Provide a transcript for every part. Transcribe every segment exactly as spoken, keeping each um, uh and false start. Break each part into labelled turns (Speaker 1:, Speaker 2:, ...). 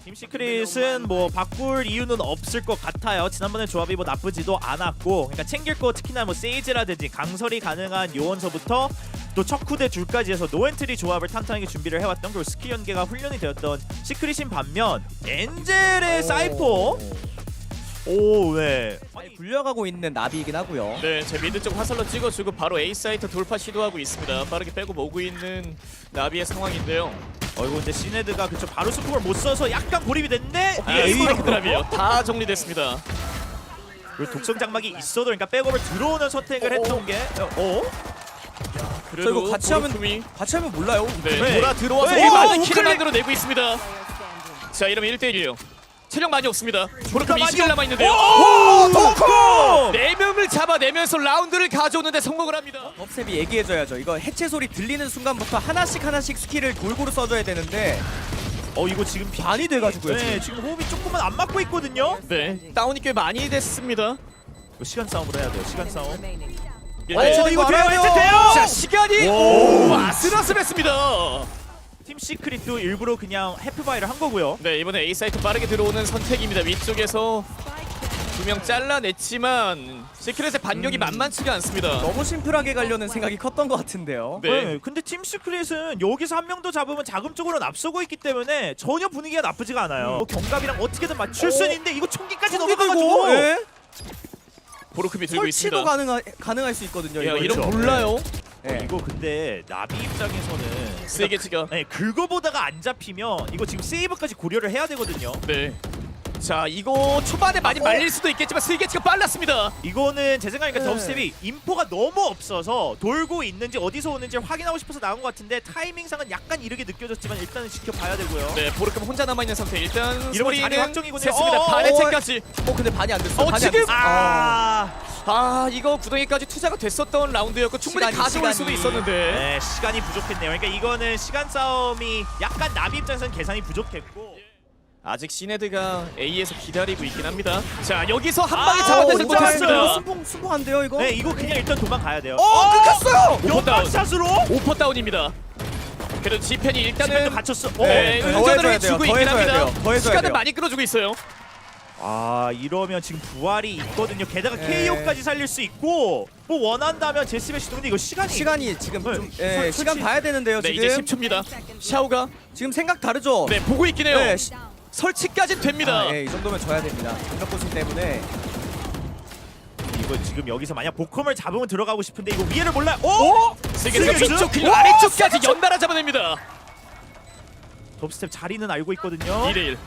Speaker 1: 팀 시크릿은 뭐 바꿀 이유는 없을 것 같아요. 지난번에 조합이 뭐 나쁘지도 않았고, 그러니까 챙길 거 특히나 뭐 세이지라든지 강설이 가능한 요원서부터 또 척후대 줄까지 해서 노엔트리 조합을 탄탄하게 준비를 해왔던, 그리고 스킬 연계가 훈련이 되었던 시크릿인 반면 엔젤의 사이퍼 오, 네.
Speaker 2: 많이 굴려가고 있는 나비이긴 하고요.
Speaker 3: 네, 제 미드 쪽 화살로 찍어주고 바로 A 사이트 돌파 시도하고 있습니다. 빠르게 빼고 모으고 있는 나비의 상황인데요.
Speaker 1: 어이구, 근데 시네드가 그쵸 바로 스포를 못 써서 약간 고립이 됐는데
Speaker 3: 아,
Speaker 1: 이게
Speaker 3: 스파이크 드랍이에요. 다 정리됐습니다.
Speaker 1: 그리고 독성 장막이 있어도, 그러니까 백업을 들어오는 선택을 했던 게 어?
Speaker 3: 그래도
Speaker 2: 이거 같이 하면
Speaker 3: 보르크미,
Speaker 2: 같이 하면 몰라요.
Speaker 3: 네,
Speaker 1: 네.
Speaker 3: 돌아 들어와서
Speaker 1: 네,
Speaker 3: 많은
Speaker 1: 이거
Speaker 3: 킬을
Speaker 1: 우클릭!
Speaker 3: 만들어내고 있습니다. 자, 이러면 일 대 일이에요. 체력 많이 없습니다. 보르크미
Speaker 1: 많이
Speaker 3: 이십 킬
Speaker 1: 없-
Speaker 3: 남아있는데요.
Speaker 1: 오! 도커!
Speaker 3: 네 명을 잡아내면서 라운드를 가져오는데 성공을 합니다.
Speaker 2: 덥셉이 얘기해줘야죠. 이거 해체 소리 들리는 순간부터 하나씩 하나씩 스킬을 골고루 써줘야 되는데
Speaker 1: 어, 이거 지금 비...
Speaker 2: 반이 돼가지고요.
Speaker 1: 네, 지금 호흡이 조금은 안 맞고 있거든요.
Speaker 3: 네, 다운이 꽤 많이 됐습니다.
Speaker 1: 이거 시간 싸움으로 해야 돼요. 시간 싸움.
Speaker 3: 일
Speaker 1: 어,
Speaker 3: 대 일.
Speaker 1: 이거
Speaker 2: 알아요.
Speaker 1: 돼요. 해체 돼요.
Speaker 3: 자, 시간이
Speaker 1: 오.
Speaker 3: 오, 아슬아슬했습니다.
Speaker 1: 팀 시크릿도 일부러 그냥 해프바이를 한 거고요.
Speaker 3: 네, 이번에 A 사이트 빠르게 들어오는 선택입니다. 위쪽에서 두 명 잘라냈지만 시크릿의 반격이
Speaker 2: 음.
Speaker 3: 만만치가 않습니다.
Speaker 2: 너무 심플하게 가려는 생각이 컸던 것 같은데요.
Speaker 3: 네.
Speaker 1: 네. 근데 팀 시크릿은 여기서 한 명 더 잡으면 자금적으로는 앞서고 있기 때문에 전혀 분위기가 나쁘지가 않아요. 뭐 경갑이랑 어떻게든 맞출 수는 있는데 이거 총기까지 넘어가가지고.
Speaker 2: 예?
Speaker 3: 보르크미 들고
Speaker 2: 설치도
Speaker 3: 있습니다.
Speaker 2: 가능하, 가능할 수 있거든요.
Speaker 3: 야,
Speaker 2: 이거.
Speaker 3: 이런
Speaker 1: 그렇죠.
Speaker 3: 몰라요.
Speaker 2: 예.
Speaker 1: 이거 근데 나비 입장에서는
Speaker 3: 세게치가.
Speaker 1: 네, 긁어보다가 안 잡히면 이거 지금 세이브까지 고려를 해야 되거든요.
Speaker 3: 네. 자, 이거 초반에 많이 말릴 수도 있겠지만 스위게치가 빨랐습니다.
Speaker 1: 이거는 제 생각이니까
Speaker 2: 네.
Speaker 1: 덥스텝이 인포가 너무 없어서 돌고 있는지 어디서 오는지 확인하고 싶어서 나온 것 같은데 타이밍상은 약간 이르게 느껴졌지만 일단은 지켜봐야 되고요.
Speaker 3: 네, 보르크미 혼자 남아있는 상태. 일단
Speaker 1: 이러면 자리
Speaker 3: 소리는
Speaker 1: 확정이거든요.
Speaker 3: 셌습니다.
Speaker 1: 어어,
Speaker 3: 반해체까지.
Speaker 2: 어 근데 반이 안 됐어.
Speaker 3: 어,
Speaker 2: 반이
Speaker 3: 지금?
Speaker 2: 안 됐어.
Speaker 1: 아,
Speaker 3: 아, 이거 구덩이까지 투자가 됐었던 라운드였고 충분히
Speaker 2: 시간이,
Speaker 3: 가져올
Speaker 2: 시간이.
Speaker 3: 수도 있었는데.
Speaker 1: 네, 시간이 부족했네요. 그러니까 이거는 시간 싸움이 약간 나비 입장에서는 계산이 부족했고.
Speaker 3: 아직 시네드가 A에서 기다리고 있긴 합니다. 자, 여기서 한 방에
Speaker 1: 아,
Speaker 3: 잡아내지
Speaker 1: 혼자
Speaker 3: 못했습니다.
Speaker 1: 왔어요.
Speaker 2: 순봉 순봉한데요 이거?
Speaker 1: 네, 이거 그냥 일단 도망가야 돼요.
Speaker 2: 어 끊겼어요.
Speaker 3: 오퍼 다운.
Speaker 1: 연막샷으로?
Speaker 3: 오퍼 다운입니다. 그래도 지펜이 일단은
Speaker 1: 지금도 갇혔어. 어,
Speaker 3: 네,
Speaker 2: 네, 더
Speaker 3: 의전을
Speaker 2: 해줘야 돼요.
Speaker 3: 주고
Speaker 2: 더
Speaker 3: 있긴
Speaker 2: 해줘야
Speaker 3: 합니다.
Speaker 2: 돼요. 더 해줘야
Speaker 3: 시간을
Speaker 2: 돼요.
Speaker 3: 많이 끌어주고 있어요.
Speaker 1: 아, 이러면 지금 부활이 있거든요. 게다가
Speaker 2: 네.
Speaker 1: 케이오까지 살릴 수 있고 뭐 원한다면 제스베시도. 근데 이거 시간이
Speaker 2: 시간이 지금
Speaker 1: 네.
Speaker 2: 좀 예,
Speaker 1: 설-
Speaker 2: 시간
Speaker 1: 설치-
Speaker 2: 봐야 되는데요
Speaker 3: 네,
Speaker 2: 지금.
Speaker 3: 이제 십 초입니다. 샤오가
Speaker 2: 지금 생각 다르죠?
Speaker 3: 네, 보고 있긴 해요.
Speaker 2: 네, 시-
Speaker 3: 설치까지는 됩니다.
Speaker 2: 아, 예, 이 정도면 져야 됩니다. 공격 고심 때문에.
Speaker 1: 이거 지금 여기서 만약 보컴을 잡으면 들어가고 싶은데 이거 위에를 몰라요. 오!
Speaker 3: 세계에서
Speaker 1: 세계에서?
Speaker 3: 위쪽 그리고
Speaker 1: 오!
Speaker 3: 아래쪽까지 연달아 잡아냅니다.
Speaker 1: 덥스텝 자리는 알고 있거든요.
Speaker 3: 이 대 일.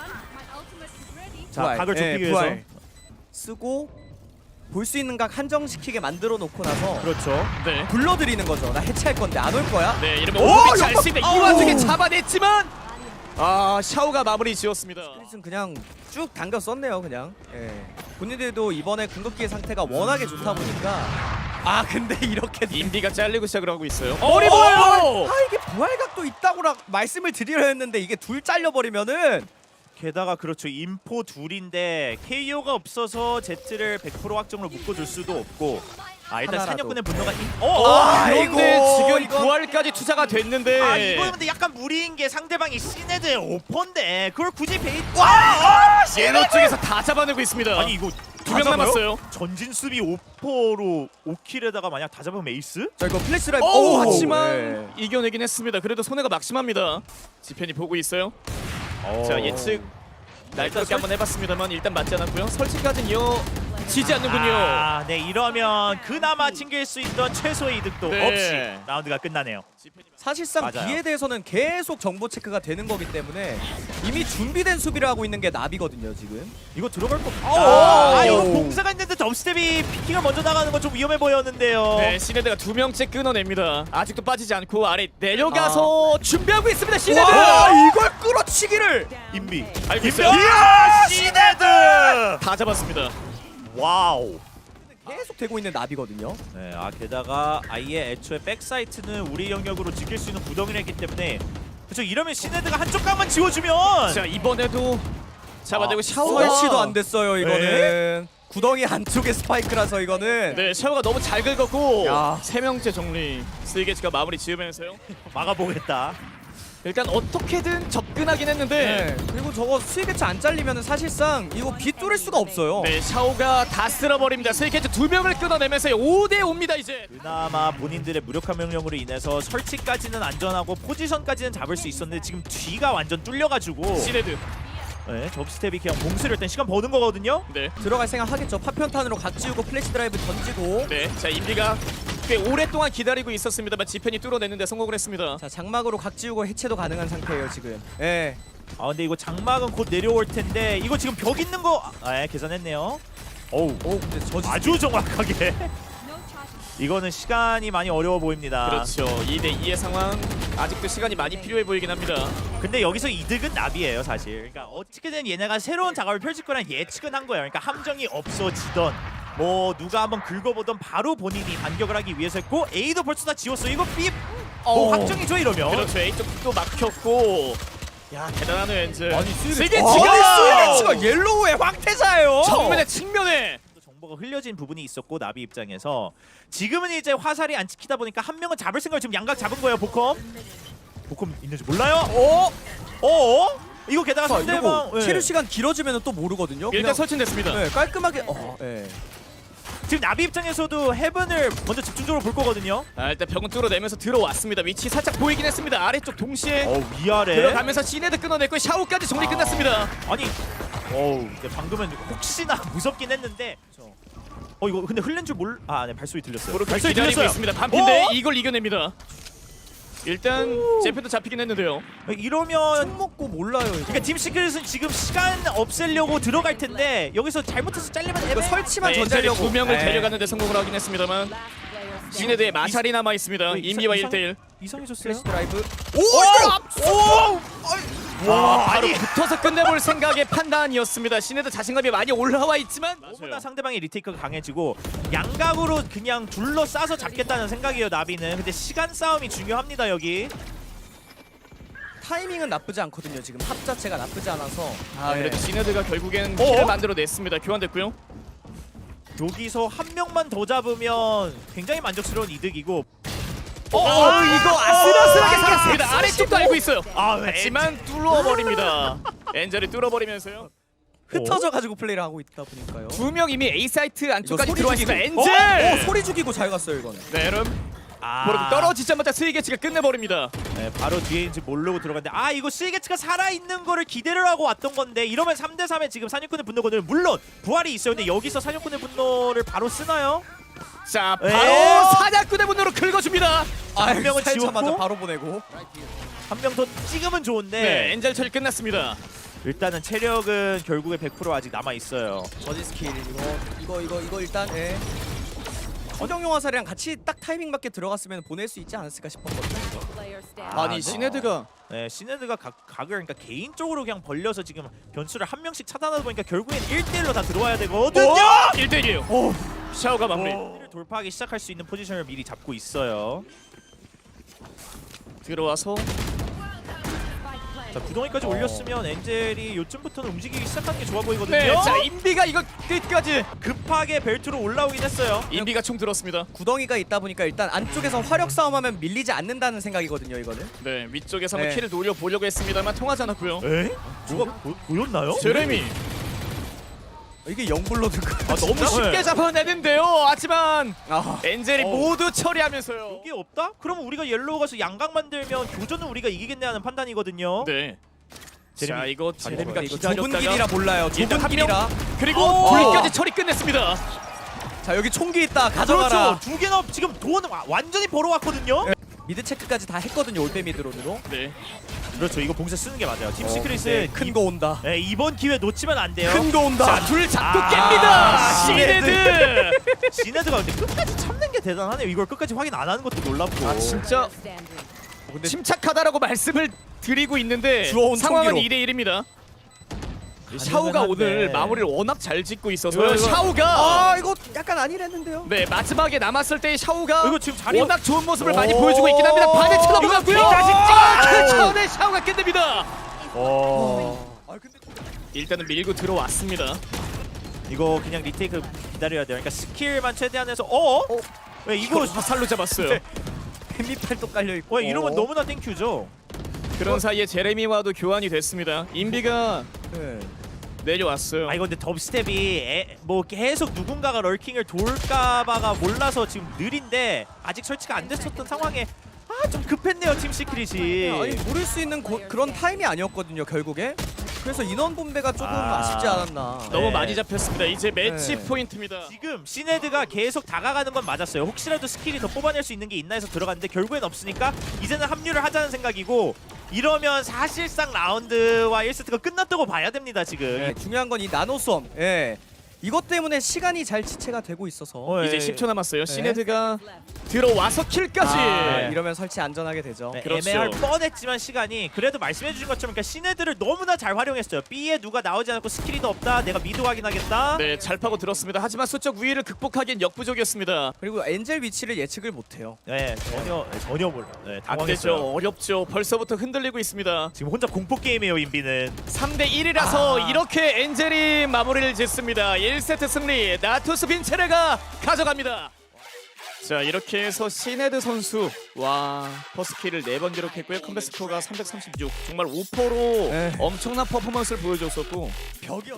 Speaker 1: 자,
Speaker 2: 부활.
Speaker 1: 각을 좁히기
Speaker 2: 예,
Speaker 1: 위해서.
Speaker 2: 부활. 쓰고 볼 수 있는 각 한정시키게 만들어 놓고 나서
Speaker 1: 그렇죠.
Speaker 3: 네.
Speaker 2: 불러들이는 거죠. 나 해체할 건데 안 올 거야?
Speaker 3: 네, 이러면
Speaker 2: 오,
Speaker 3: 오버비치
Speaker 2: 연막-
Speaker 3: 알수 있는 이
Speaker 2: 아우.
Speaker 3: 와중에 잡아냈지만 아, 샤오가 마무리 지었습니다.
Speaker 2: 스플릿은 그냥 쭉 당겨 썼네요 그냥. 예. 본인들도 이번에 궁극기의 상태가 워낙에 좋다 보니까 아 근데 이렇게
Speaker 3: 인비가 잘리고 시작을 하고 있어요.
Speaker 2: 어,
Speaker 3: 머리
Speaker 2: 어,
Speaker 3: 보여요.
Speaker 2: 아 이게 부활각도 있다고 라 말씀을 드리려 했는데 이게 둘 잘려버리면은
Speaker 1: 게다가 그렇죠. 인포 둘인데 케이오가 없어서 제트를 백 퍼센트 확정으로 묶어줄 수도 없고. 아, 일단
Speaker 2: 하나라도.
Speaker 1: 사냥꾼의 분노가 인... 어, 어!
Speaker 2: 아,
Speaker 3: 그런데
Speaker 2: 아이고,
Speaker 3: 지금
Speaker 2: 이건-
Speaker 3: 부활까지 투자가 됐는데
Speaker 1: 아, 이거 근데 약간 무리인 게 상대방이 시네드의 오퍼인데 그걸 굳이 베이... 와! 아,
Speaker 3: 예로 쪽에서 다 잡아내고 있습니다.
Speaker 1: 아니 이거
Speaker 3: 두 명 남았어요.
Speaker 1: 전진 수비 오퍼로 오 킬에다가 만약 다 잡으면 에이스?
Speaker 2: 자 이거 플래시 라이브
Speaker 3: 오,
Speaker 2: 오,
Speaker 3: 하지만
Speaker 2: 예.
Speaker 3: 이겨내긴 했습니다. 그래도 손해가 막심합니다. 지펜이 보고 있어요. 자, 예측 날카롭게 한번 해봤습니다만 일단 맞지 않았고요. 설치까지는 이어지지 않는군요.
Speaker 1: 아, 네, 이러면 그나마 챙길 수 있던 최소의 이득도
Speaker 3: 네.
Speaker 1: 없이 라운드가 끝나네요.
Speaker 2: 사실상
Speaker 1: 맞아요.
Speaker 2: B에 대해서는 계속 정보 체크가 되는 거기 때문에 이미 준비된 수비를 하고 있는 게 나비거든요 지금.
Speaker 1: 이거 들어갈 거.
Speaker 2: 아,
Speaker 1: 아, 아,
Speaker 2: 오.
Speaker 1: 이거 공사가 있는데 덥스텝이 피킹을 먼저 나가는 건 좀 위험해 보였는데요.
Speaker 3: 네, 시네드가 두 명째 끊어냅니다. 아직도 빠지지 않고 아래 내려가서 준비하고 있습니다. 시네드.
Speaker 2: 와 이걸 끌어치기를.
Speaker 1: 인비.
Speaker 3: 알고 있어요.
Speaker 1: 이야, 시네드!
Speaker 3: 다 잡았습니다.
Speaker 1: 와우.
Speaker 2: 계속 되고 있는 나비거든요.
Speaker 1: 네, 아 게다가 아예 애초에 백사이트는 우리 영역으로 지킬 수 있는 구덩이를 했기 때문에 그렇죠. 이러면 시네드가 한쪽 각만 지워주면
Speaker 3: 자, 이번에도 잡아내고
Speaker 1: 아,
Speaker 3: 샤오가
Speaker 2: 설치도 안 됐어요 이거는.
Speaker 1: 네.
Speaker 2: 구덩이 안쪽에 스파이크라서 이거는.
Speaker 3: 네, 샤오가 너무 잘 긁었고
Speaker 2: 야.
Speaker 3: 세 명째 정리. 스위게츠가 마무리 지으면서요.
Speaker 1: 막아보겠다.
Speaker 3: 일단 어떻게든 접근하긴 했는데
Speaker 2: 네. 그리고 저거 스위게츠 안 잘리면 사실상 이거 비 뚫을 수가 없어요.
Speaker 3: 네, 샤오가 다 쓸어버립니다. 스위게츠 두 명을 끊어내면서 오 대 오입니다 이제.
Speaker 1: 그나마 본인들의 무력화 명령으로 인해서 설치까지는 안전하고 포지션까지는 잡을 수 있었는데 지금 뒤가 완전 뚫려가지고
Speaker 3: 시네드.
Speaker 1: 네, 접스텝이 그냥 봉쇄를 일단 시간 버는 거거든요.
Speaker 3: 네,
Speaker 2: 들어갈 생각 하겠죠. 파편탄으로 각 지우고 플래시 드라이브 던지고.
Speaker 3: 네. 자, 인비가 꽤 오랫동안 기다리고 있었습니다만 지펜이 뚫어내는데 성공을 했습니다.
Speaker 2: 자 장막으로 각 지우고 해체도 가능한 상태예요 지금. 예.
Speaker 1: 아 근데 이거 장막은 곧 내려올 텐데 이거 지금 벽 있는 거 아, 예, 계산했네요. 어우,
Speaker 2: 오 근데 저지.
Speaker 1: 아주 정확하게. 이거는 시간이 많이 어려워 보입니다.
Speaker 3: 그렇죠. 이 대 이의 상황. 아직도 시간이 많이 필요해 보이긴 합니다.
Speaker 1: 근데 여기서 이득은 나비예요 사실. 그러니까 어떻게든 얘네가 새로운 작업을 펼칠 거란 예측은 한 거예요. 그러니까 함정이 없어지던 뭐 누가 한번 긁어보던 바로 본인이 반격을 하기 위해서 했고 A도 벌써 다 지웠어. 이거 B 뭐
Speaker 2: 어.
Speaker 1: 확정이죠 이러면.
Speaker 3: 그렇죠. A쪽도 막혔고. 야, 대단하네요, 엔즈.
Speaker 2: 아니
Speaker 3: 스위게츠가
Speaker 2: 아니 스위게츠가 옐로우의 황태자예요.
Speaker 3: 정면에 측면에
Speaker 1: 또 정보가 흘려진 부분이 있었고 나비 입장에서 지금은 이제 화살이 안 찍히다 보니까 한 명은 잡을 생각을 지금 양각 잡은 거예요. 보컴. 보컴 있는지 몰라요.
Speaker 2: 어?
Speaker 1: 어? 이거 게다가
Speaker 2: 자,
Speaker 1: 상대방
Speaker 2: 이러고 체류 시간 길어지면 또 모르거든요.
Speaker 3: 일단
Speaker 2: 그냥,
Speaker 3: 설치됐습니다.
Speaker 2: 네, 깔끔하게. 어, 예.
Speaker 1: 지금 나비 입장에서도 헤븐을 먼저 집중적으로 볼 거거든요.
Speaker 3: 아, 일단 벽은 뚫어내면서 들어왔습니다. 위치 살짝 보이긴 했습니다. 아래쪽 동시에
Speaker 1: 어 위아래.
Speaker 3: 들어가면서 시네드 끊어냈고 샤오까지 정리
Speaker 1: 아.
Speaker 3: 끝났습니다.
Speaker 1: 아니, 어우, 근데 방금은 혹시나 무섭긴 했는데. 어 이거 근데 흘린 줄 몰. 아, 네 발소리 들렸어요.
Speaker 3: 모르게
Speaker 1: 발소리
Speaker 3: 기다리고
Speaker 1: 들렸어요.
Speaker 3: 있습니다. 반피인데
Speaker 1: 어?
Speaker 3: 이걸 이겨냅니다. 일단 제페도 잡히긴 했는데요.
Speaker 1: 이러면
Speaker 2: 총 먹고 몰라요 이거.
Speaker 1: 그러니까 팀 시크릿은 지금 시간 없애려고 들어갈 텐데 여기서 잘못해서 잘리면
Speaker 2: 이거
Speaker 1: 애매.
Speaker 2: 설치만
Speaker 3: 네,
Speaker 2: 전자려고.
Speaker 3: 두 명을
Speaker 2: 예.
Speaker 3: 데려가는데 성공을 하긴 했습니다만 시네드의 마샬이 남아 있습니다.
Speaker 1: 왜
Speaker 3: 인비와
Speaker 1: 이상-
Speaker 3: 일 대 일.
Speaker 1: 이상해졌어요.
Speaker 2: 플래시 드라이브.
Speaker 1: 오, 이거
Speaker 3: 와,
Speaker 1: 와,
Speaker 3: 바로
Speaker 1: 아니.
Speaker 3: 붙어서 끝내볼 생각의 판단이었습니다. 시네드 자신감이 많이 올라와 있지만
Speaker 1: 너무나 상대방의 리테이크가 강해지고 양각으로 그냥 둘러싸서 잡겠다는 생각이에요 나비는. 근데 시간 싸움이 중요합니다 여기.
Speaker 2: 타이밍은 나쁘지 않거든요. 지금 합 자체가 나쁘지 않아서.
Speaker 3: 아, 그래도 시네드가 결국엔
Speaker 1: 어?
Speaker 3: 킬을 만들어냈습니다. 교환됐고요.
Speaker 1: 여기서 한 명만 더 잡으면 굉장히 만족스러운 이득이고.
Speaker 3: 어,
Speaker 1: 어,
Speaker 3: 이거 아슬아슬하게 살았습니다. 아래쪽도 알고 있어요.
Speaker 1: 아, 왜?
Speaker 3: 하지만 뚫어버립니다. 엔젤이 뚫어버리면서요.
Speaker 2: 흩어져가지고 플레이를 하고 있다 보니까요.
Speaker 3: 두 명 이미 A 사이트 안쪽까지
Speaker 2: 소리
Speaker 3: 들어와 있습니다.
Speaker 2: 죽이고.
Speaker 3: 엔젤.
Speaker 2: 어, 소리 죽이고 잘 갔어요 이거는.
Speaker 3: 네, 여러분.
Speaker 1: 아,
Speaker 3: 바로 떨어지자마자 스위게츠가 끝내버립니다.
Speaker 1: 네, 바로 뒤에인지 모르고 들어갔는데 아 이거 시게츠가 살아있는 거를 기대를 하고 왔던 건데 이러면 삼 대 삼에 지금 사냥꾼의 분노거든요. 물론 부활이 있어요. 근데 여기서 사냥꾼의 분노를 바로 쓰나요?
Speaker 3: 자,
Speaker 1: 에?
Speaker 3: 바로 사냥꾼의 분노로 긁어줍니다.
Speaker 1: 한 명은
Speaker 2: 살자마자
Speaker 1: 지웠고
Speaker 2: 바로 보내고.
Speaker 1: 한 명 더 찍으면 좋은데
Speaker 3: 네, 엔젤 처리 끝났습니다.
Speaker 1: 일단은 체력은 결국에 백 퍼센트 아직 남아 있어요.
Speaker 2: 저지 스킬 이거 이거 이거 이거 일단. 예. 허정용 화살이랑 같이 딱 타이밍 맞게 들어갔으면 보낼 수 있지 않았을까 싶었거든요. 이거.
Speaker 3: 아니,
Speaker 1: 네.
Speaker 3: 시네드가
Speaker 1: 네, 시네드가 각, 각을 그러니까 개인적으로 그냥 벌려서 지금 변수를 한 명씩 차단하다 보니까 결국엔 일 대 일로 다 들어와야 되거든요.
Speaker 3: 일 대 일이에요.
Speaker 1: 오!
Speaker 3: 샤오가 마무리.
Speaker 1: 를 돌파하기 시작할 수 있는 포지션을 미리 잡고 있어요.
Speaker 3: 들어와서
Speaker 1: 자, 구덩이까지 올렸으면 엔젤이 요쯤부터는 움직이기 시작하는 게 좋아 보이거든요.
Speaker 3: 네, 자, 인비가 이거 끝까지.
Speaker 1: 급하게 벨트로 올라오긴 했어요.
Speaker 3: 인비가 총 들었습니다.
Speaker 2: 구덩이가 있다 보니까 일단 안쪽에서 화력 싸움하면 밀리지 않는다는 생각이거든요 이거는.
Speaker 3: 네, 위쪽에서 한번
Speaker 2: 네.
Speaker 3: 킬을 노려보려고 했습니다만 통하지 않았고요.
Speaker 1: 에? 뭐가 보, 보였나요?
Speaker 3: 제레미.
Speaker 2: 이게 영불로 든 거.
Speaker 3: 아, 너무 쉽게 잡아내는데요. 하지만
Speaker 2: 아.
Speaker 3: 엔젤이
Speaker 1: 어.
Speaker 3: 모두 처리하면서요.
Speaker 1: 이게 없다? 그러면 우리가 옐로우 가서 양각 만들면 교전은 우리가 이기겠네 하는 판단이거든요.
Speaker 3: 네.
Speaker 1: 제레미
Speaker 3: 자, 이거
Speaker 1: 잘
Speaker 3: 제레미가
Speaker 2: 이거 좁은
Speaker 3: 기다렸다가
Speaker 2: 길이라 몰라요.
Speaker 3: 일단
Speaker 2: 좁은
Speaker 3: 한 명.
Speaker 2: 길이라.
Speaker 3: 그리고
Speaker 2: 어.
Speaker 3: 불까지 처리 끝냈습니다.
Speaker 2: 자 여기 총기 있다. 가져가라.
Speaker 1: 그렇죠. 두 개나 지금 돈 와- 완전히 벌어왔거든요.
Speaker 2: 네. 미드 체크까지 다 했거든요. 올빼 미드론으로.
Speaker 3: 네.
Speaker 1: 그렇죠. 이거 봉쇄 쓰는 게 맞아요. 팀
Speaker 2: 어,
Speaker 1: 시크릿은
Speaker 2: 네, 큰 거 온다.
Speaker 1: 네, 이번 기회 놓치면 안 돼요.
Speaker 2: 큰 거 온다.
Speaker 3: 자, 둘 잡고
Speaker 1: 아,
Speaker 3: 깹니다.
Speaker 1: 시네드.
Speaker 3: 시네드.
Speaker 1: 시네드가 근데 끝까지 참는 게 대단하네요. 이걸 끝까지 확인 안 하는 것도 놀랍고.
Speaker 3: 아, 진짜
Speaker 2: 근데
Speaker 3: 침착하다라고 말씀을 드리고 있는데
Speaker 2: 주워온
Speaker 3: 상황은
Speaker 2: 총기로.
Speaker 3: 이 대 일입니다. 샤오가
Speaker 1: 한데.
Speaker 3: 오늘 마무리를 워낙 잘 짓고 있어서
Speaker 1: 이거, 이거.
Speaker 3: 샤오가
Speaker 2: 아 이거 약간 아니랬는데요.
Speaker 3: 네, 마지막에 남았을 때 샤오가
Speaker 1: 이거 지금 자리
Speaker 3: 워낙 좋은 모습을 많이
Speaker 1: 오.
Speaker 3: 보여주고 있긴 합니다. 반에 쳐다보고요.
Speaker 1: 이거 자식
Speaker 3: 그
Speaker 1: 찍어!
Speaker 3: 차원의 샤오가 끝냅니다.
Speaker 1: 어.
Speaker 2: 아 근데
Speaker 3: 일단은 밀고 들어왔습니다.
Speaker 1: 이거 그냥 리테이크 기다려야 돼요. 그러니까 스킬만 최대한 해서 어?
Speaker 2: 어?
Speaker 1: 왜 이거
Speaker 3: 이거 화살로 잡았어요.
Speaker 1: 네.
Speaker 2: 햄미팔도 깔려 있고.
Speaker 1: 왜 이러면
Speaker 2: 어.
Speaker 1: 너무나 땡큐죠.
Speaker 3: 그런 사이에 제레미와도 교환이 됐습니다. 인비가
Speaker 2: 네.
Speaker 3: 내려왔어요.
Speaker 1: 아 이거 근데 덥스텝이 에, 뭐 계속 누군가가 럴킹을 돌까봐가 몰라서 지금 느린데 아직 설치가 안 됐었던 상황에 아 좀 급했네요 팀 시크릿이.
Speaker 2: 아니 모를 수 있는 고, 그런 타임이 아니었거든요 결국에. 그래서 인원 분배가 조금
Speaker 1: 아.
Speaker 2: 아... 쉽지 않았나.
Speaker 3: 너무
Speaker 1: 네.
Speaker 3: 많이 잡혔습니다. 이제 매치
Speaker 2: 네.
Speaker 3: 포인트입니다.
Speaker 1: 지금 시네드가 계속 다가가는 건 맞았어요. 혹시라도 스킬이 더 뽑아낼 수 있는 게 있나 해서 들어갔는데 결국엔 없으니까 이제는 합류를 하자는 생각이고 이러면 사실상 라운드와 일 세트가 끝났다고 봐야 됩니다 지금.
Speaker 2: 네, 중요한 건 이 나노섬. 예. 이것 때문에 시간이 잘 지체가 되고 있어서.
Speaker 1: 어,
Speaker 3: 이제
Speaker 1: 예.
Speaker 3: 십 초 남았어요. 시네드가 들어와서 킬까지.
Speaker 2: 아,
Speaker 1: 네.
Speaker 2: 이러면 설치 안전하게 되죠.
Speaker 1: 네,
Speaker 3: 그렇죠.
Speaker 1: 애매할 뻔했지만 시간이 그래도 말씀해주신 것처럼 그러니까 시네드를 너무나 잘 활용했어요. B에 누가 나오지 않고 스킬이 더 없다. 내가 미드 확인하겠다.
Speaker 3: 네, 잘 파고 들었습니다. 하지만 수적 우위를 극복하기엔 역부족이었습니다.
Speaker 2: 그리고 엔젤 위치를 예측을 못해요.
Speaker 1: 네, 전혀 네, 전혀 몰라. 네,
Speaker 3: 안 되죠.
Speaker 1: 당황했어요.
Speaker 3: 어렵죠. 벌써부터 흔들리고 있습니다.
Speaker 1: 지금 혼자 공포 게임이에요 인비는.
Speaker 3: 삼 대 일이라서
Speaker 2: 아.
Speaker 3: 이렇게 엔젤이 마무리를 짓습니다. 일 세트 승리 나투스 빈체레가 가져갑니다. 자, 이렇게 해서 시네드 선수 와 퍼스킬을 네 번 기록했고요. 컴백 스코어가 삼백삼십육. 정말 오 퍼로
Speaker 2: 네.
Speaker 3: 엄청난 퍼포먼스를 보여줬었고
Speaker 2: 벽이었.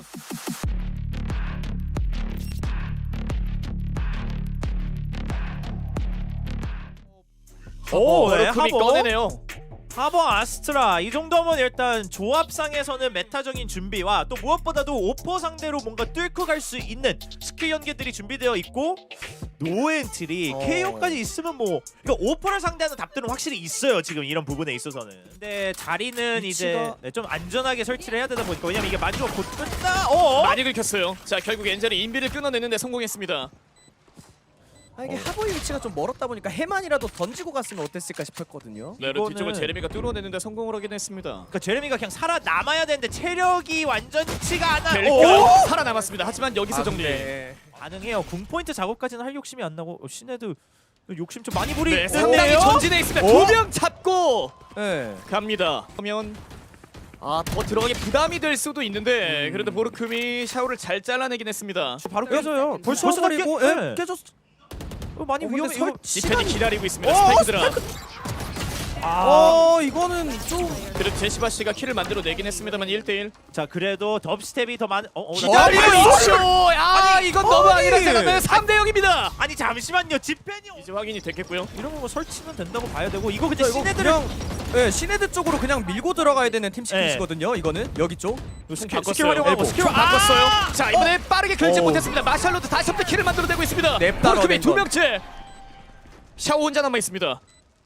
Speaker 1: 오, 네,
Speaker 3: 버르크미
Speaker 1: 하버.
Speaker 3: 꺼내네요.
Speaker 1: 하버 아스트라 이 정도면 일단 조합상에서는 메타적인 준비와 또 무엇보다도 오퍼 상대로 뭔가 뚫고 갈 수 있는 스킬 연계들이 준비되어 있고 노엔트리
Speaker 2: 어.
Speaker 1: 케이오까지 있으면 뭐 그러니까 오퍼를 상대하는 답들은 확실히 있어요 지금 이런 부분에 있어서는. 근데 자리는 이제
Speaker 2: 위치가-
Speaker 1: 네, 좀 안전하게 설치를 해야 되다 보니까 왜냐면 이게 마지막 곧 끝나. 어?
Speaker 3: 많이 긁혔어요. 자, 결국 엔젤이 인비를 끊어내는데 성공했습니다.
Speaker 2: 아, 이게 하버의 위치가 좀 멀었다 보니까 해만이라도 던지고 갔으면 어땠을까 싶었거든요.
Speaker 3: 네,
Speaker 1: 이거는-
Speaker 3: 뒤쪽을 제레미가 뚫어내는데 성공을 하긴 했습니다.
Speaker 1: 그러니까 제레미가 그냥 살아남아야 되는데 체력이 완전치가 않아.
Speaker 3: 벨가
Speaker 1: 오!
Speaker 3: 살아남았습니다. 하지만 여기서
Speaker 2: 아,
Speaker 3: 정리.
Speaker 2: 근데
Speaker 1: 가능해요. 궁 포인트 작업까지는 할 욕심이 안 나고 어, 시네드 욕심 좀 많이 부리.
Speaker 3: 네, 상당히 전진해 있습니다.
Speaker 1: 오?
Speaker 3: 두 명 잡고
Speaker 2: 네.
Speaker 3: 갑니다. 그러면 아, 더 들어가기 부담이 될 수도 있는데 그래도 보르크미 샤오를 잘 잘라내긴 했습니다.
Speaker 1: 바로 깨져요.
Speaker 2: 벌써
Speaker 1: 벌써
Speaker 2: 버리고
Speaker 1: 깨-
Speaker 2: 예,
Speaker 1: 네.
Speaker 2: 깨졌어.
Speaker 1: 어, 많이
Speaker 2: 어,
Speaker 1: 위험해.
Speaker 2: 근데 설-
Speaker 1: 이거
Speaker 3: 디펜이
Speaker 2: 시간이-
Speaker 3: 기다리고 있습니다.
Speaker 2: 어,
Speaker 3: 스파이크드라.
Speaker 1: 아.
Speaker 2: 어, 이거는 좀
Speaker 3: 그래도 제시바 씨가 킬을 만들어 내긴 했습니다만 일 대 일.
Speaker 1: 자, 그래도 덥스텝이 더 많은 어, 어, 나-
Speaker 2: 기다려!
Speaker 3: 기다리고 있죠. 아, 이건 너무
Speaker 2: 아니.
Speaker 3: 아니라 생각나요. 삼 대 영입니다.
Speaker 1: 아니 잠시만요. 지펜이
Speaker 3: 이제 확인이 됐겠고요.
Speaker 1: 이러면 뭐 설치는 된다고 봐야 되고 이거 근데
Speaker 2: 이거
Speaker 1: 시네드를
Speaker 2: 그냥 예, 시네드 쪽으로 그냥 밀고 들어가야 되는 팀 시크릿이거든요. 이거는 여기 쪽.
Speaker 1: 스킬,
Speaker 3: 바꿨어요.
Speaker 1: 스킬 활용하고
Speaker 3: 엘보.
Speaker 1: 스킬
Speaker 3: 좀 바꿨어요.
Speaker 1: 아!
Speaker 3: 자, 이번에 빠르게 결제
Speaker 2: 어.
Speaker 3: 못했습니다. 마샬로도 다시 한번 킬을 만들어내고 있습니다.
Speaker 2: 냅다
Speaker 3: 보르크미
Speaker 2: 넣어낸
Speaker 3: 두
Speaker 2: 건.
Speaker 3: 명째. 샤오 혼자 남아 있습니다.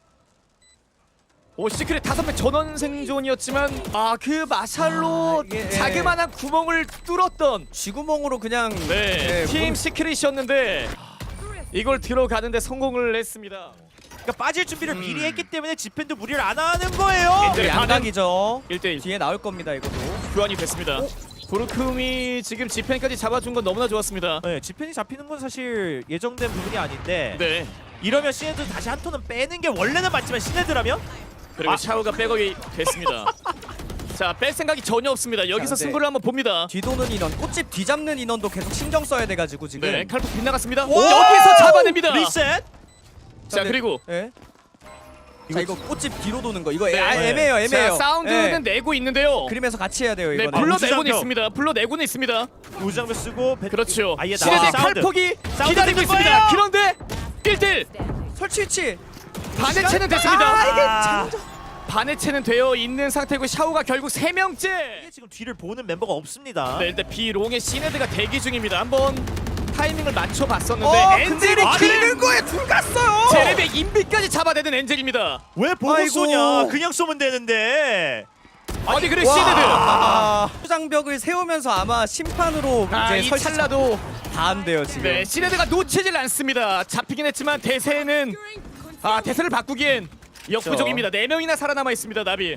Speaker 3: 오, 시크릿 다섯 명 전원 생존이었지만 아, 그 마샬로
Speaker 2: 아, 이게, 예.
Speaker 3: 자그마한 구멍을 뚫었던
Speaker 2: 쥐구멍으로 그냥
Speaker 3: 네,
Speaker 2: 예,
Speaker 3: 팀
Speaker 2: 문-
Speaker 3: 시크릿이었는데 이걸 들어가는데 성공을 했습니다.
Speaker 1: 그러니까 빠질 준비를
Speaker 3: 음.
Speaker 1: 미리 했기 때문에 지펜도 무리를 안 하는 거예요.
Speaker 3: 엔젤
Speaker 2: 양각이죠.
Speaker 3: 일 대 일
Speaker 2: 뒤에 나올 겁니다, 이것도.
Speaker 3: 교환이 됐습니다. 보르크미 지금 지펜까지 잡아준 건 너무나 좋았습니다.
Speaker 1: 네, 지펜이 잡히는 건 사실 예정된 부분이 아닌데
Speaker 3: 네.
Speaker 1: 이러면 시네드 다시 한 톤은 빼는 게 원래는 맞지만 시네드라면
Speaker 3: 그리고
Speaker 1: 아.
Speaker 3: 샤오가 백업이 됐습니다. 자, 뺄 생각이 전혀 없습니다. 여기서
Speaker 2: 자, 네.
Speaker 3: 승부를 한번 봅니다.
Speaker 2: 뒤도는 인원, 꽃집 뒤잡는 인원도 계속 신경 써야 돼가지고 지금.
Speaker 3: 네, 칼프 빗나갔습니다.
Speaker 1: 와!
Speaker 3: 여기서 잡아냅니다.
Speaker 1: 리셋.
Speaker 3: 자, 그리고
Speaker 2: 예. 자, 이거 꽃집 뒤로 도는 거. 이거
Speaker 3: 네.
Speaker 2: 아, 애매해요, 애매해요.
Speaker 3: 자, 사운드는
Speaker 2: 예.
Speaker 3: 내고 있는데요.
Speaker 2: 그리면서 같이 해야 돼요,
Speaker 3: 네,
Speaker 2: 이거는.
Speaker 3: 불러내고는
Speaker 1: 우주장벽.
Speaker 3: 있습니다. 불러내고는 있습니다.
Speaker 1: 우장벽 쓰고 배...
Speaker 3: 그렇죠.
Speaker 1: 아예
Speaker 3: 시네드
Speaker 1: 나와. 사운드.
Speaker 3: 칼폭이
Speaker 1: 사운드
Speaker 3: 기다리고
Speaker 1: 듣는
Speaker 3: 있습니다.
Speaker 1: 거예요.
Speaker 3: 그런데 일 대 일
Speaker 2: 설치 위치.
Speaker 3: 반의 채는 됐습니다.
Speaker 2: 아, 이게
Speaker 1: 아.
Speaker 2: 장전.
Speaker 3: 반의 채는 되어 있는 상태고 샤오가 결국 세 명째.
Speaker 1: 이게 지금 뒤를 보는 멤버가 없습니다.
Speaker 3: 네, 일단 비롱의 시네드가 대기 중입니다. 한번 타이밍을 맞춰 봤었는데
Speaker 2: 어,
Speaker 3: 엔젤이
Speaker 2: 근데
Speaker 3: 킬!
Speaker 2: 기는 거에 둘 갔어요.
Speaker 3: 제레베 인비까지 잡아내는 엔젤입니다.
Speaker 1: 왜 보고
Speaker 2: 아이고.
Speaker 1: 쏘냐? 그냥 쏘면 되는데.
Speaker 3: 아니 그래
Speaker 2: 와.
Speaker 3: 시네드.
Speaker 2: 아, 장벽을 세우면서 아마 심판으로
Speaker 3: 아,
Speaker 2: 이제
Speaker 3: 이
Speaker 2: 설치
Speaker 3: 찰나도
Speaker 2: 다 한대요 지금.
Speaker 3: 네, 시네드가 놓치질 않습니다. 잡히긴 했지만 대세는 아 대세를 바꾸기엔 역부족입니다. 네 명이나 살아남아 있습니다. 나비.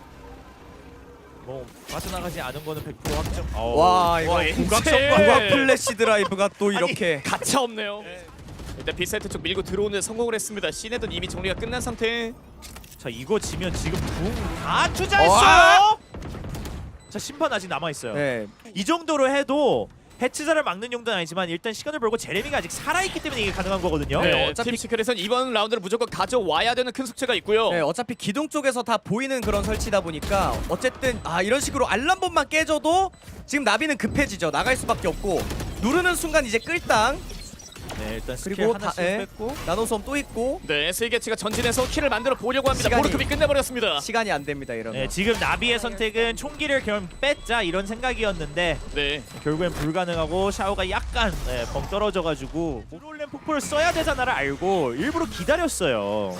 Speaker 1: 뭐 빠져나가지 않은 거는 백 퍼센트 확정.
Speaker 2: 와, 이거
Speaker 3: 와,
Speaker 1: 국악성
Speaker 3: 엔젤.
Speaker 2: 국악 플래시 드라이브가 또 이렇게.
Speaker 3: 가차 없네요. 일단 비사이트 쪽 밀고 들어오는 데 성공을 했습니다. 시네드는 이미 정리가 끝난 상태.
Speaker 1: 자 이거 지면 지금 궁다 투자했어요.
Speaker 2: 와.
Speaker 1: 자 심판 아직 남아 있어요.
Speaker 2: 네.
Speaker 1: 이 정도로 해도 해치자를 막는 용도는 아니지만 일단 시간을 벌고 제레미가 아직 살아있기 때문에 이게 가능한 거거든요.
Speaker 3: 네,
Speaker 2: 네,
Speaker 3: 어차피
Speaker 2: 어차피-
Speaker 3: 팀 시크릿은 이번 라운드를 무조건 가져와야 되는 큰 숙제가 있고요.
Speaker 2: 네, 어차피 기둥 쪽에서 다 보이는 그런 설치다 보니까 어쨌든 아 이런 식으로 알람본만 깨져도 지금 나비는 급해지죠. 나갈 수밖에 없고 누르는 순간 이제 끌당.
Speaker 1: 네, 일단 스킬
Speaker 2: 그리고 다
Speaker 1: 하나씩
Speaker 2: 예,
Speaker 1: 뺐고
Speaker 2: 나노솜 또 있고
Speaker 3: 네, 스위게치가 전진해서 킬을 만들어 보려고 합니다.
Speaker 2: 시간이-
Speaker 3: 보르크비 끝내버렸습니다.
Speaker 2: 시간이 안 됩니다 이러면.
Speaker 1: 네, 지금 나비의 선택은 총기를 그럼 뺐자 이런 생각이었는데
Speaker 3: 네,
Speaker 1: 결국엔 불가능하고 샤오가 약간 네, 벙 떨어져가지고 브롤렘 폭포를 써야 되잖아를 알고 일부러 기다렸어요.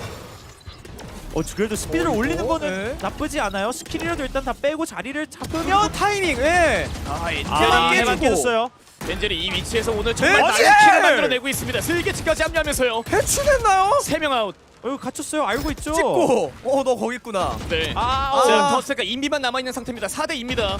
Speaker 1: 어 그래도 스피드를
Speaker 2: 어,
Speaker 1: 올리는
Speaker 2: 이거?
Speaker 1: 거는
Speaker 2: 네.
Speaker 1: 나쁘지 않아요. 스킬이라도 일단 다 빼고 자리를 잡으면
Speaker 2: 요 타이밍. 예.
Speaker 3: 아,
Speaker 1: 아,
Speaker 3: 엔젤이
Speaker 1: 해만
Speaker 2: 깨지고.
Speaker 1: 깨졌어요.
Speaker 3: 엔젤이 이 위치에서 오늘 정말
Speaker 2: 네,
Speaker 3: 많은
Speaker 2: 엔젤!
Speaker 3: 킬을 만들어내고 있습니다. 스위게치까지 합류하면서요.
Speaker 2: 해치됐나요?
Speaker 3: 세 명 아웃.
Speaker 1: 어 이거 갇혔어요. 알고 있죠.
Speaker 2: 찍고. 어 너 거기 있구나.
Speaker 3: 네.
Speaker 1: 아,
Speaker 2: 아.
Speaker 3: 자, 더스가 인비만 남아 있는 상태입니다. 사 대 이입니다.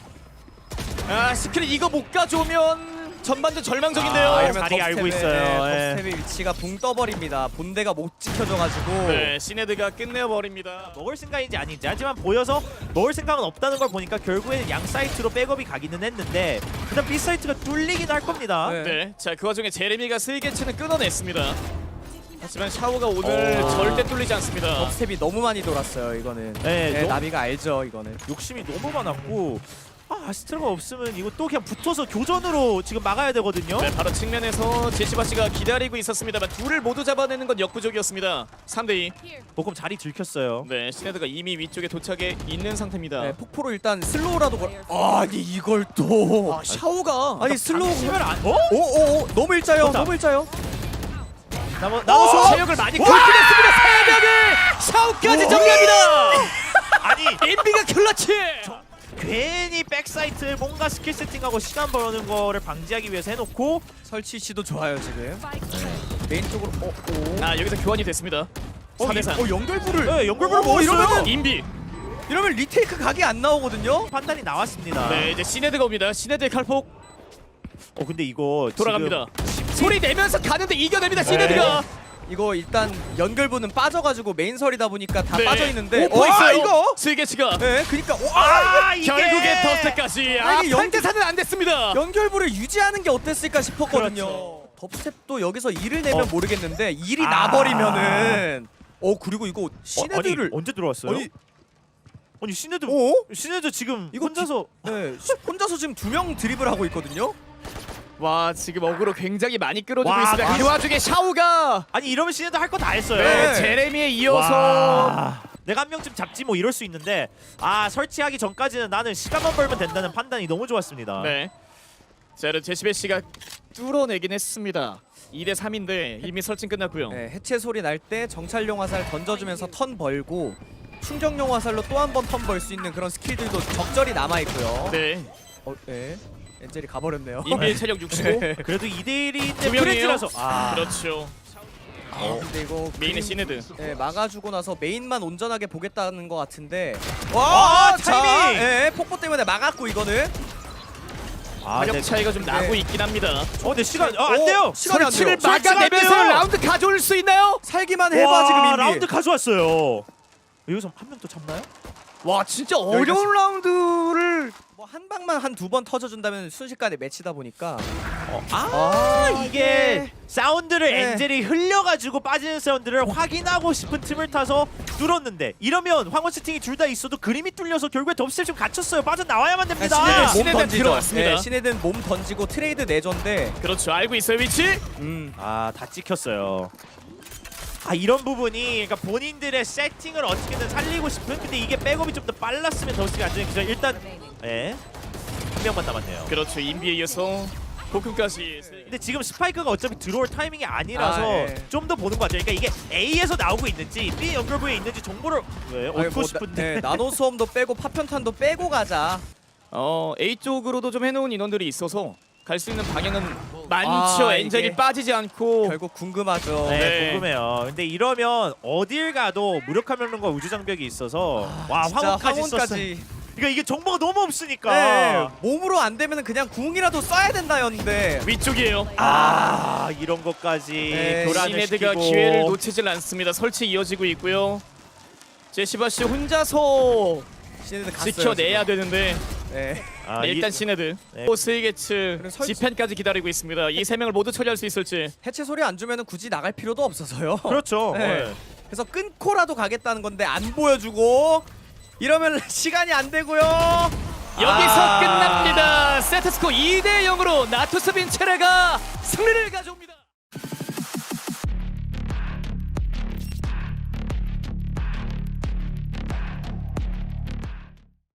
Speaker 3: 아, 시크릿 이거 못 가져오면 전반전 절망적인데요.
Speaker 1: 아,
Speaker 2: 이러면
Speaker 1: 자리 알고
Speaker 2: 덥스텝의-
Speaker 1: 있어요.
Speaker 2: 네,
Speaker 1: 예.
Speaker 2: 덥스텝의 위치가 붕 떠버립니다. 본대가 못 지켜져가지고.
Speaker 3: 네, 시네드가 끝내버립니다.
Speaker 1: 먹을 생각인지 아닌지 하지만 보여서 먹을 생각은 없다는 걸 보니까 결국에는 양 사이트로 백업이 가기는 했는데 일단 B 사이트가 뚫리긴 할 겁니다.
Speaker 2: 네.
Speaker 3: 네, 자, 그 와중에 제레미가 스위게치는 끊어냈습니다. 하지만 샤오가 오늘
Speaker 1: 어.
Speaker 3: 절대 뚫리지 않습니다.
Speaker 2: 덥스텝이 너무 많이 돌았어요 이거는.
Speaker 1: 네,
Speaker 2: 네,
Speaker 1: 너무-
Speaker 2: 나비가 알죠 이거는.
Speaker 1: 욕심이 너무 많았고 아, 아스트라가 없으면 이거 또 그냥 붙어서 교전으로 지금 막아야 되거든요.
Speaker 3: 네, 바로 측면에서 제시바 씨가 기다리고 있었습니다만 둘을 모두 잡아내는 건 역부족이었습니다. 삼 대 이.
Speaker 1: 보금 자리 들켰어요.
Speaker 3: 네, 시네드가 이미 위쪽에 도착해 있는 상태입니다.
Speaker 2: 네, 폭포로 일단 슬로우라도 걸. 아니 이걸 또.
Speaker 3: 아, 샤오가
Speaker 2: 아니 슬로우.
Speaker 1: 시면 안. 어?
Speaker 2: 오오오 너무 일자요.
Speaker 1: 좋다.
Speaker 2: 너무 일자요.
Speaker 1: 나머
Speaker 2: 어?
Speaker 1: 나머서
Speaker 3: 체력을 많이 긁어냈습니다. 세 명을 샤오까지
Speaker 2: 오!
Speaker 3: 정리합니다.
Speaker 1: 아니
Speaker 3: 인비가 클러치.
Speaker 1: 괜히 백사이트에 뭔가 스킬 세팅하고 시간 버는 거를 방지하기 위해서 해놓고
Speaker 2: 설치 시도 좋아요 지금. 메인 쪽으로. 어, 오.
Speaker 3: 아, 여기서 교환이 됐습니다.
Speaker 2: 어,
Speaker 3: 사 대 삼.
Speaker 2: 어 연결부를.
Speaker 1: 네, 연결부를
Speaker 2: 어,
Speaker 1: 먹었어요.
Speaker 2: 이러면은
Speaker 3: 인비.
Speaker 2: 이러면 리테이크 각이 안 나오거든요.
Speaker 1: 판단이 나왔습니다.
Speaker 3: 네, 이제 시네드가 옵니다. 시네드의 칼폭
Speaker 1: 어 근데 이거
Speaker 3: 돌아갑니다.
Speaker 1: 지금
Speaker 3: 소리 내면서 가는데 이겨냅니다. 시네드가.
Speaker 2: 이거 일단 연결부는 빠져가지고 메인 설이다 보니까 다
Speaker 3: 네.
Speaker 2: 빠져 있는데.
Speaker 3: 오퍼
Speaker 2: 와,
Speaker 3: 있어요.
Speaker 2: 이거.
Speaker 3: 스위게치가.
Speaker 2: 네, 그러니까. 와,
Speaker 1: 아 이게
Speaker 3: 결국에 더스트까지.
Speaker 2: 아,
Speaker 3: 아,
Speaker 2: 이게
Speaker 3: 영
Speaker 2: 영
Speaker 3: 대 사는 안 됐습니다.
Speaker 2: 연결부를 유지하는 게 어땠을까 싶었거든요.
Speaker 1: 그렇죠.
Speaker 2: 덥스텝도 여기서 일을 내면
Speaker 1: 어.
Speaker 2: 모르겠는데 일이
Speaker 1: 아.
Speaker 2: 나버리면은. 어 그리고 이거
Speaker 1: 어,
Speaker 2: 시네드를.
Speaker 1: 아니, 언제 들어왔어요?
Speaker 2: 아니,
Speaker 1: 아니 시네드
Speaker 2: 어?
Speaker 1: 시네드 지금
Speaker 2: 이거
Speaker 1: 혼자서
Speaker 2: 네, 시- 혼자서 지금 두 명 드리블 하고 있거든요.
Speaker 3: 와, 지금 어그로 굉장히 많이 끌어주고
Speaker 1: 와,
Speaker 3: 있습니다.
Speaker 1: 와.
Speaker 3: 그 와중에 샤오가
Speaker 1: 아니 이러면 시네드 할 거 다 했어요.
Speaker 2: 네.
Speaker 3: 제레미에 이어서
Speaker 1: 와. 내가 한 명쯤 잡지 뭐 이럴 수 있는데 아 설치하기 전까지는 나는 시간만 벌면 된다는 판단이 너무 좋았습니다.
Speaker 3: 네. 자, 그럼 제시베 씨가 뚫어내긴 했습니다. 이 대 삼인데 이미 설치 끝났고요.
Speaker 2: 네, 해체 소리 날 때 정찰용 화살 던져주면서 턴 벌고 충격용 화살로 또 한 번 턴 벌 수 있는 그런 스킬들도 적절히 남아 있고요.
Speaker 3: 네.
Speaker 2: 어, 네. 엔젤이 가버렸네요.
Speaker 3: 인비의 체력 육십오.
Speaker 1: 그래도 이 대 일인데
Speaker 3: 두 명이에요.
Speaker 1: 프렌즈라서 아
Speaker 3: 그렇죠.
Speaker 2: 어, 근데 이거
Speaker 3: 메인의
Speaker 2: 그림-
Speaker 3: 시네드.
Speaker 2: 네, 막아주고 나서 메인만 온전하게 보겠다는 것 같은데.
Speaker 1: 와,
Speaker 2: 자,
Speaker 1: 타이밍!
Speaker 2: 예, 폭포 때문에 막았고 이거는.
Speaker 1: 아,
Speaker 3: 가격
Speaker 1: 네.
Speaker 3: 차이가 좀 나고
Speaker 2: 네.
Speaker 3: 있긴 합니다.
Speaker 1: 어 근데 시간 아, 안
Speaker 2: 어,
Speaker 1: 돼요.
Speaker 2: 시간이 안 돼요.
Speaker 3: 설치를
Speaker 1: 설치가 안
Speaker 3: 막아내면서
Speaker 1: 돼요.
Speaker 3: 라운드 가져올 수 있나요?
Speaker 2: 살기만 해봐
Speaker 1: 와,
Speaker 2: 지금 인비.
Speaker 1: 라운드 가져왔어요. 여기서 한 명 또 잡나요?
Speaker 3: 와, 진짜
Speaker 2: 여기까지.
Speaker 3: 어려운 라운드를.
Speaker 2: 뭐 한 방만 한 두 번 터져준다면 순식간에 매치다 보니까.
Speaker 1: 어, 아, 이게 사운드를
Speaker 2: 네.
Speaker 1: 엔젤이 흘려가지고 빠지는 사운드를 확인하고 싶은 틈을 타서 뚫었는데 이러면 황혼 세팅이 둘 다 있어도 그림이 뚫려서 결국에 덥스텝 좀 갇혔어요. 빠져나와야만 됩니다.
Speaker 2: 시네드 몸
Speaker 3: 시네드
Speaker 2: 던지죠.
Speaker 3: 들어왔습니다.
Speaker 2: 네, 시네드는 몸 던지고 트레이드 내전데.
Speaker 3: 그렇죠. 알고 있어요, 위치.
Speaker 2: 음.
Speaker 1: 아, 다 찍혔어요. 아, 이런 부분이 그러니까 본인들의 세팅을 어떻게든 살리고 싶은 근데 이게 백업이 좀 더 빨랐으면 더스가 안전히 기절 일단 예. 한 명만 남았네요.
Speaker 3: 그렇죠. 인비에 이어서 복근까지.
Speaker 1: 근데 지금 스파이크가 어차피 들어올 타이밍이 아니라서
Speaker 2: 아, 예.
Speaker 1: 좀 더 보는 것 같아요. 그러니까 이게 A에서 나오고 있는지 B 연결부에 있는지 정보를 왜
Speaker 2: 아니,
Speaker 1: 얻고
Speaker 2: 뭐
Speaker 1: 싶은데
Speaker 2: 나, 네, 나노 수험도 빼고 파편탄도 빼고 가자.
Speaker 3: 어, A 쪽으로도 좀 해놓은 인원들이 있어서 갈 수 있는 방향은 많죠.
Speaker 2: 아,
Speaker 3: 엔젤이
Speaker 2: 이게
Speaker 3: 빠지지 않고.
Speaker 2: 결국 궁금하죠.
Speaker 1: 네,
Speaker 3: 네.
Speaker 1: 궁금해요. 근데 이러면 어딜 가도 무력화 명령과 우주 장벽이 있어서 와
Speaker 2: 진짜
Speaker 1: 황혼까지 썼어.
Speaker 2: 황혼까지.
Speaker 1: 그러니까 이게 정보가 너무 없으니까.
Speaker 2: 네, 몸으로 안 되면 그냥 궁이라도 써야 된다였는데.
Speaker 3: 위쪽이에요.
Speaker 1: 아 이런 것까지
Speaker 2: 네,
Speaker 1: 교란을
Speaker 3: 시네드가
Speaker 1: 시키고
Speaker 3: 기회를 놓치질 않습니다. 설치 이어지고 있고요. 제시바 씨 혼자서
Speaker 2: 시네드 갔어요.
Speaker 3: 지켜내야 되는데
Speaker 2: 지금. 네.
Speaker 1: 아,
Speaker 3: 네, 일단
Speaker 1: 이-
Speaker 3: 시네드
Speaker 1: 네.
Speaker 3: 포스이게츠
Speaker 2: 그리고 설-
Speaker 3: 지펜까지 기다리고 있습니다. 이 세 명을 모두 처리할 수 있을지.
Speaker 2: 해체 소리 안 주면은 굳이 나갈 필요도 없어서요.
Speaker 1: 그렇죠.
Speaker 2: 네.
Speaker 1: 네.
Speaker 2: 그래서 끊고라도 가겠다는 건데 안 보여주고 이러면 시간이 안 되고요.
Speaker 3: 여기서
Speaker 1: 아.
Speaker 3: 끝납니다. 세트스코 이 대 영으로 나투스 빈체레가 승리를 가져옵니다.